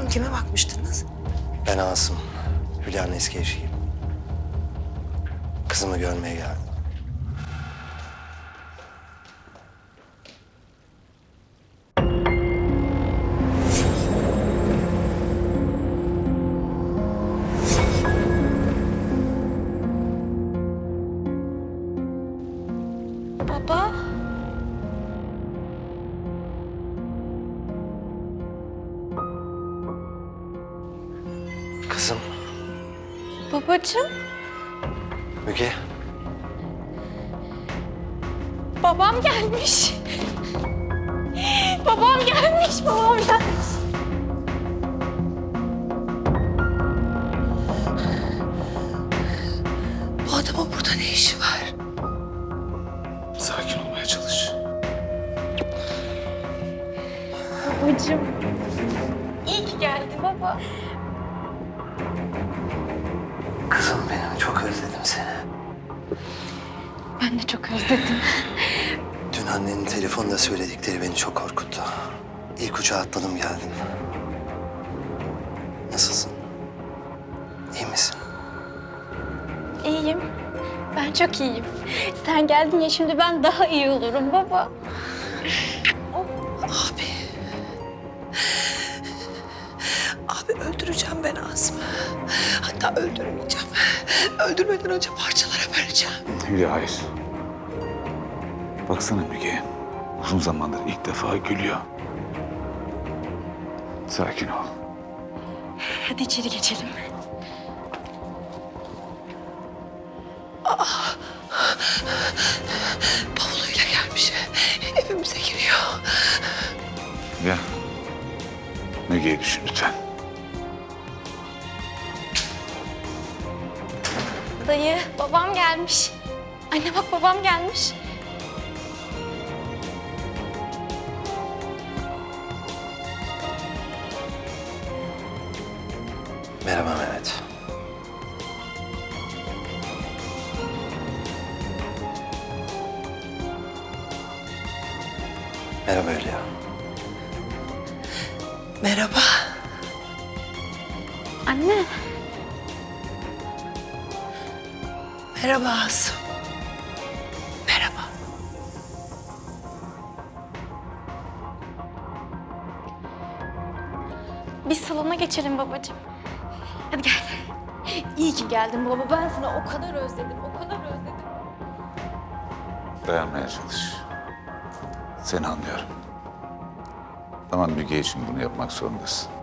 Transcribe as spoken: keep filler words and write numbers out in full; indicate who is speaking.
Speaker 1: Hanım, kime bakmıştınız?
Speaker 2: Ben Asım. Hülya'nın eski eşiyim. Kızımı görmeye geldim.
Speaker 3: Baba.
Speaker 2: Kızım,
Speaker 3: Babacığım.
Speaker 2: Müge.
Speaker 3: Babam gelmiş. Babam gelmiş, babam gelmiş.
Speaker 1: Bu adamın burada ne işi var?
Speaker 4: Sakin olmaya çalış.
Speaker 3: Babacığım. İyi ki geldi baba.
Speaker 2: Kızım benim, çok özledim seni.
Speaker 3: Ben de çok özledim.
Speaker 2: Dün annenin telefonda söyledikleri beni çok korkuttu. İlk uçağa atladım geldim. Nasılsın? İyi misin?
Speaker 3: İyiyim. Ben çok iyiyim. Sen geldin ya, şimdi ben daha iyi olurum baba.
Speaker 1: Abi. Abi öldüreceğim ben Asım'ı. Hatta öldürmeyeceğim. Öldürmeden önce parçalara böleceğim.
Speaker 4: Hülya hayır. Baksana Müge. Uzun zamandır ilk defa gülüyor. Sakin ol.
Speaker 3: Hadi içeri geçelim.
Speaker 1: Bavuluyla gelmiş. Evimize giriyor.
Speaker 4: Ya. Müge'yi düşün lütfen.
Speaker 3: Dayı, babam gelmiş. Anne bak, babam gelmiş.
Speaker 2: Merhaba Mehmet. Merhaba Hülya.
Speaker 1: Merhaba.
Speaker 3: Anne.
Speaker 1: Merhaba Asım. Merhaba.
Speaker 3: Biz salona geçelim babacığım. Hadi gel. İyi ki geldin baba. Ben seni o kadar özledim, o kadar özledim.
Speaker 4: Dayanmaya çalış. Seni anlıyorum. Ama Müge için bunu yapmak zorundasın.